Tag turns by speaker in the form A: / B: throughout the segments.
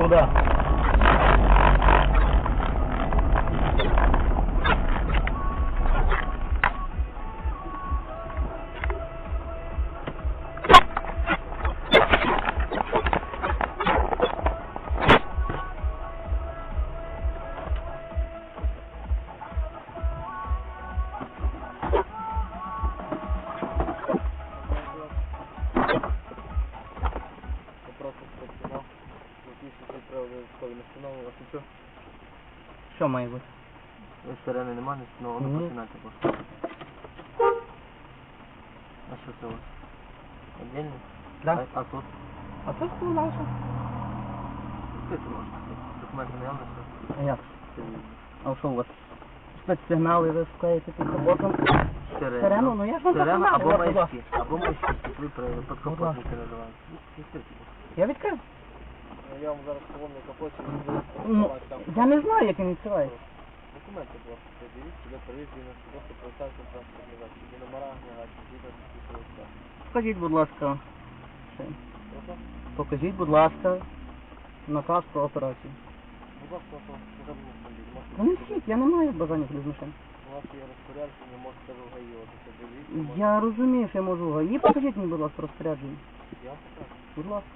A: Куда? Що має бути?
B: Сирени нема, не встановлено,
A: Ні.
B: починати просто. А що це у вас? Отдельно?
A: Да.
B: А тут?
A: А тут ну, наше.
B: Скільки можна? Документи наявно, що?
A: А як?
B: Це
A: А що у вас? Спецсигнали ви вклеїте під капотом? Сирену? Ну я ж вам
B: Сирена
A: показав,
B: або
A: я казав.
B: маячки. Або маячки, ви підкопотники називаєте.
A: Я відкрив.
B: Я вам зараз поломлю капоті,
A: Ну, я не знаю, як він відкривається.
B: документи просто дивіться, де перевірені, просто представте транспортний засіб, де номера, гнігачі, згідно з підписом.
A: Покажіть, будь ласка. Ще.
B: Прошу?
A: Покажіть, будь ласка, наказ про операцію.
B: Будь ласка, потрібно автомобіль.
A: Та не всіх, я не маю бажання ходити з машин.
B: У вас є розпорядження, можете в ГАІ, от це дивіться.
A: Я розумію, що я можу в ГАІ. Покажіть мені, будь ласка, розпорядження.
B: Я вам покажу.
A: Будь ласка.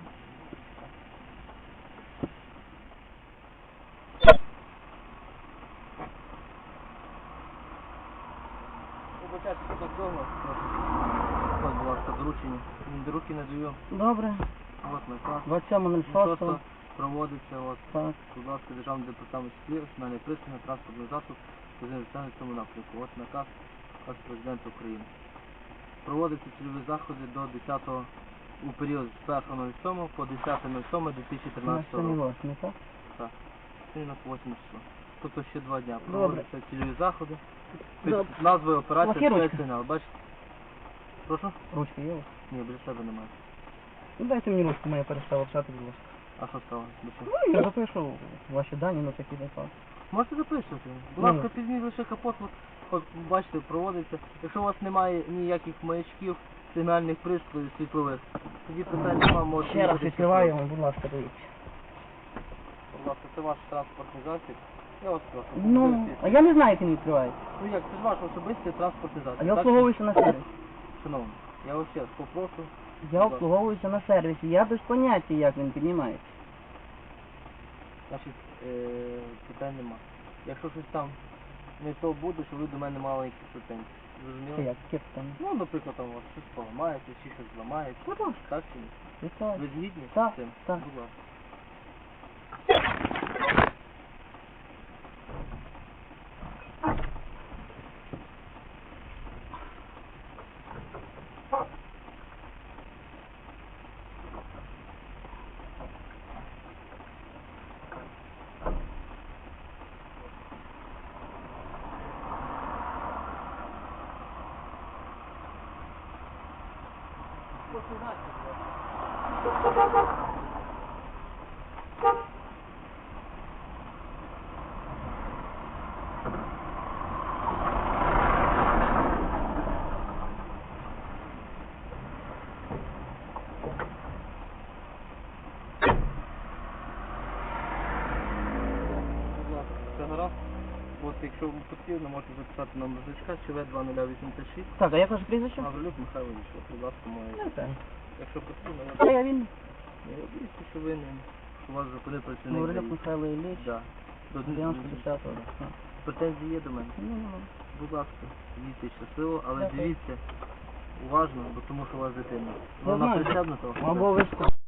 B: Побачайте, що так довго. Ось, будь ласка, доручення. До руки не даю.
A: Добре.
B: От наказ.
A: 27.06.
B: Проводиться, от,
A: Так.
B: будь ласка, Державний департамент шлів, національний пристрій на транспортний засіб, позиційний в цьому напрямку. От наказ Президента України. Проводяться цільові заходи до 10-го, у період з 1.07 по 10.07.2013
A: На сьогодні
B: року.
A: 8, так?
B: Так. Сьогодні на 8 число. Тобто ще 2 дня.
A: Добре.
B: Проводяться цільові заходи. Під
A: Добре.
B: назвою операція
A: Лахірочка.
B: «Спецсигнал». Бачите? Прошу?
A: Ручки є у вас?
B: Ні, біля себе немає.
A: Ну дайте мені ручку, моя перестала писати, будь ласка.
B: А що сталося?
A: Ну, я запишу ваші дані на такий випадок.
B: Можете записувати. Будь
A: Ну.
B: ласка, підніміть лише капот, от бачите, проводиться. Якщо у вас немає ніяких маячків, сигнальних пристроїв, світлових, тоді питань немає, можете...
A: Ще раз
B: їхати
A: відкриваємо, будь ласка, дивіться.
B: Будь ласка, це ваш транспортний засіб. Я вас прошу.
A: Ну,
B: подивіться.
A: а я не знаю, як він відкривається.
B: Ну як, це ж ваш особистий транспортний засіб.
A: А я
B: так?
A: обслуговуюся на сервісі.
B: Шановні, я вас ще раз попрошу.
A: Я обслуговуюся на сервісі, я без поняття, як він піднімається.
B: Значить, питань нема. Якщо щось там не то буде, що ви до мене мали якісь претензії.
A: Це
B: Зрозуміло?
A: як, яке питання?
B: Ну, наприклад, там у вас щось поламається, чи щось зламається.
A: Будь ласка.
B: Так чи ні?
A: Вітаю.
B: Ви згідні
A: Так,
B: з цим?
A: так.
B: Будь ласка. Все гаразд. От якщо вам потрібно, можете записати номер значка ЧВ-2086.
A: Так, а як ваше прізвище?
B: Гаврилюк Михайло Війшов. Будь ласка, моє.
A: Не знаю.
B: Якщо потрібно,
A: Та я він.
B: я дивіться, що ви не... що вас зупинив працівник.
A: Гаврилюк
B: ДАІ.
A: Михайло Ілліч.
B: Да. До
A: 90-10-го.
B: Претензії є до мене.
A: Ну,
B: Будь ласка, їдьте щасливо, але
A: Дякую.
B: дивіться уважно, бо тому що у вас дитина.
A: Я
B: Вона
A: знаю.
B: пристебнута?
A: Обов'язково.